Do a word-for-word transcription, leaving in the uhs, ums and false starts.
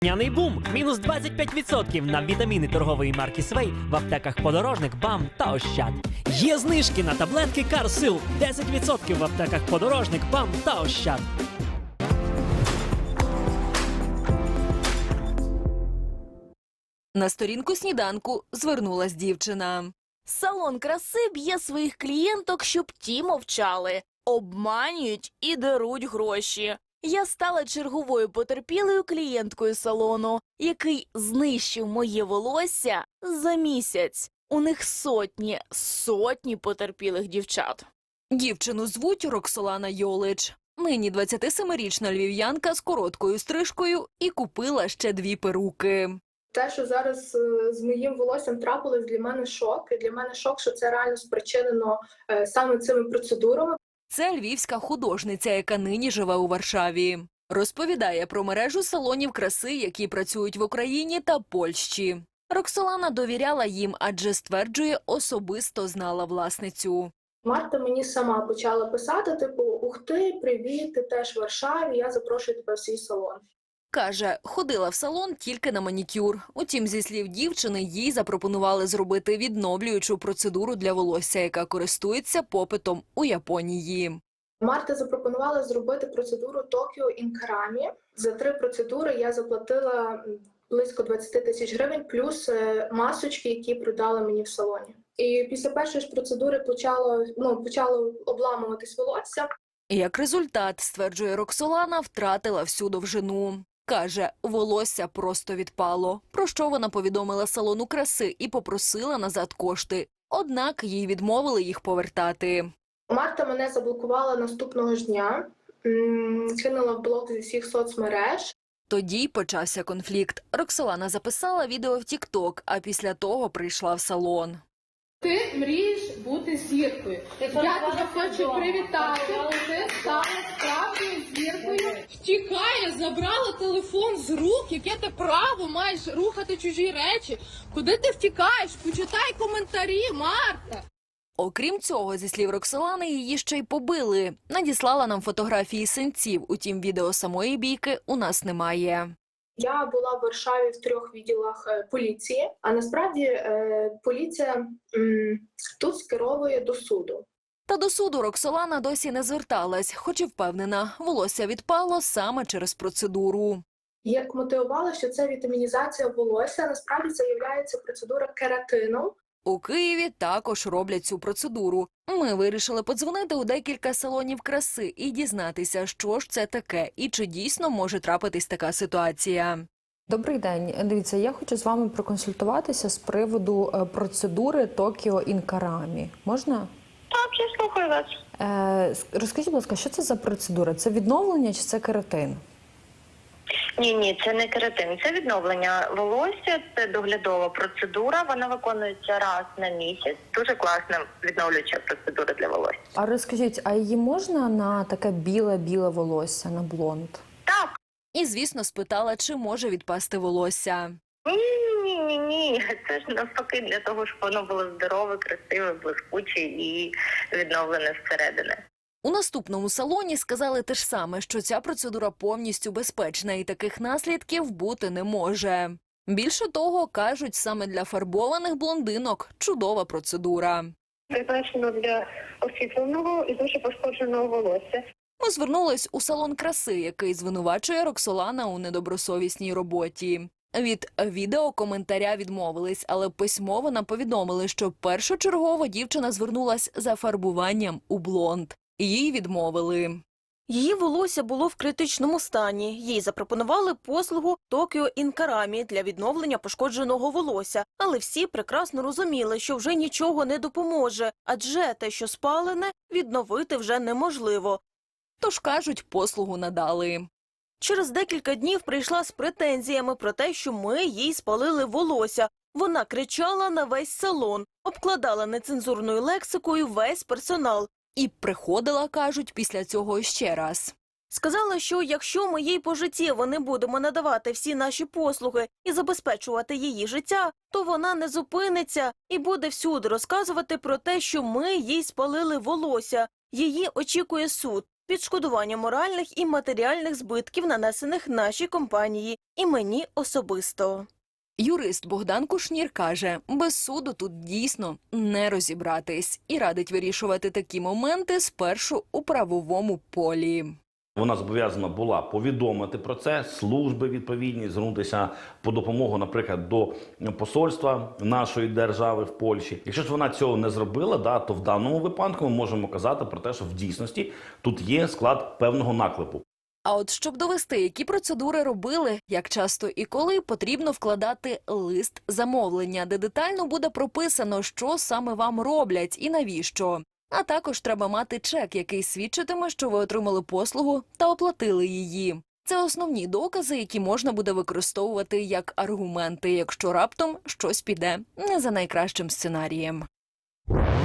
Няний бум! Мінус двадцять п'ять відсотків на вітаміни торгової марки Свей в аптеках Подорожник, БАМ та Ощад. Є знижки на таблетки Карсил. десять відсотків в аптеках Подорожник, БАМ та Ощад. На сторінку сніданку звернулась дівчина. Салон краси б'є своїх клієнток, щоб ті мовчали. Обманюють і деруть гроші. Я стала черговою потерпілою клієнткою салону, який знищив моє волосся за місяць. У них сотні, сотні потерпілих дівчат. Дівчину звуть Роксолана Йолич. Нині двадцятисемирічна львів'янка з короткою стрижкою і купила ще дві перуки. Те, що зараз з моїм волоссям трапилось, для мене шок. І для мене шок, що це реально спричинено саме цими процедурами. Це львівська художниця, яка нині живе у Варшаві. Розповідає про мережу салонів краси, які працюють в Україні та Польщі. Роксолана довіряла їм, адже, стверджує, особисто знала власницю. Марта мені сама почала писати, типу, ух ти, привіт, ти теж в Варшаві, я запрошую тебе в свій салон. Каже, ходила в салон тільки на манікюр. Утім, зі слів дівчини, їй запропонували зробити відновлюючу процедуру для волосся, яка користується попитом у Японії. Марта запропонувала зробити процедуру Токіо Інкарамі. За три процедури я заплатила близько двадцять тисяч гривень, плюс масочки, які продали мені в салоні. І після першої ж процедури почало, ну, почало обламуватись волосся. Як результат, стверджує Роксолана, втратила всю довжину. Каже, волосся просто відпало, про що вона повідомила салону краси і попросила назад кошти. Однак їй відмовили їх повертати. Марта мене заблокувала наступного ж дня, кинула в блок зі всіх соцмереж. Тоді й почався конфлікт. Роксолана записала відео в тік-ток, а після того прийшла в салон. Ти мрієш бути зіркою. Я тебе хочу привітати, ти стала справжньою зіркою. Втікає, забрала телефон з рук, яке ти право маєш рухати чужі речі. Куди ти втікаєш? Почитай коментарі, Марта. Окрім цього, зі слів Роксолани, її ще й побили. Надіслала нам фотографії синців, утім відео самої бійки у нас немає. Я була в Варшаві в трьох відділах поліції, а насправді е, поліція м, тут скеровує до суду. Та до суду Роксолана досі не зверталась, хоч і впевнена, волосся відпало саме через процедуру. Як мотивувала, що це вітамінізація волосся, насправді це є процедура кератину. У Києві також роблять цю процедуру. Ми вирішили подзвонити у декілька салонів краси і дізнатися, що ж це таке і чи дійсно може трапитись така ситуація. Добрий день. Дивіться, я хочу з вами проконсультуватися з приводу процедури Токіо Інкарамі. Можна? Так, я слухаю вас. Е, розкажіть, будь ласка, що це за процедура? Це відновлення чи це кератин? Ні, ні, це не кератин, це відновлення волосся, це доглядова процедура, вона виконується раз на місяць. Дуже класна відновлююча процедура для волосся. А розкажіть, а її можна на таке біле-біле волосся, на блонд? Так. І, звісно, спитала, чи може відпасти волосся. Ні, ні, ні, ні, це ж навпаки для того, щоб воно було здорове, красиве, блискуче і відновлене зсередини. У наступному салоні сказали те ж саме, що ця процедура повністю безпечна і таких наслідків бути не може. Більше того, кажуть, саме для фарбованих блондинок чудова процедура. Призначено для освітленого і дуже пошкодженого волосся. Ми звернулись у салон краси, який звинувачує Роксолана у недобросовісній роботі. Від відеокоментаря відмовились, але письмово нам повідомили, що першочергово дівчина звернулась за фарбуванням у блонд. Їй відмовили. Її волосся було в критичному стані. Їй запропонували послугу Токіо Інкарамі для відновлення пошкодженого волосся. Але всі прекрасно розуміли, що вже нічого не допоможе, адже те, що спалене, відновити вже неможливо. Тож, кажуть, послугу надали. Через декілька днів прийшла з претензіями про те, що ми їй спалили волосся. Вона кричала на весь салон, обкладала нецензурною лексикою весь персонал. І приходила, кажуть, після цього ще раз. Сказала, що якщо ми їй пожиттєво не будемо надавати всі наші послуги і забезпечувати її життя, то вона не зупиниться і буде всюди розказувати про те, що ми їй спалили волосся. Її очікує суд. відшкодування моральних і матеріальних збитків, нанесених нашій компанії і мені особисто. Юрист Богдан Кушнір каже, без суду тут дійсно не розібратись і радить вирішувати такі моменти спершу у правовому полі. Вона зобов'язана була повідомити про це, служби відповідні, звернутися по допомогу, наприклад, до посольства нашої держави в Польщі. Якщо ж вона цього не зробила, да, то в даному випадку ми можемо казати про те, що в дійсності тут є склад певного наклепу. А от щоб довести, які процедури робили, як часто і коли, потрібно вкладати лист замовлення, де детально буде прописано, що саме вам роблять і навіщо. А також треба мати чек, який свідчитиме, що ви отримали послугу та оплатили її. Це основні докази, які можна буде використовувати як аргументи, якщо раптом щось піде не за найкращим сценарієм.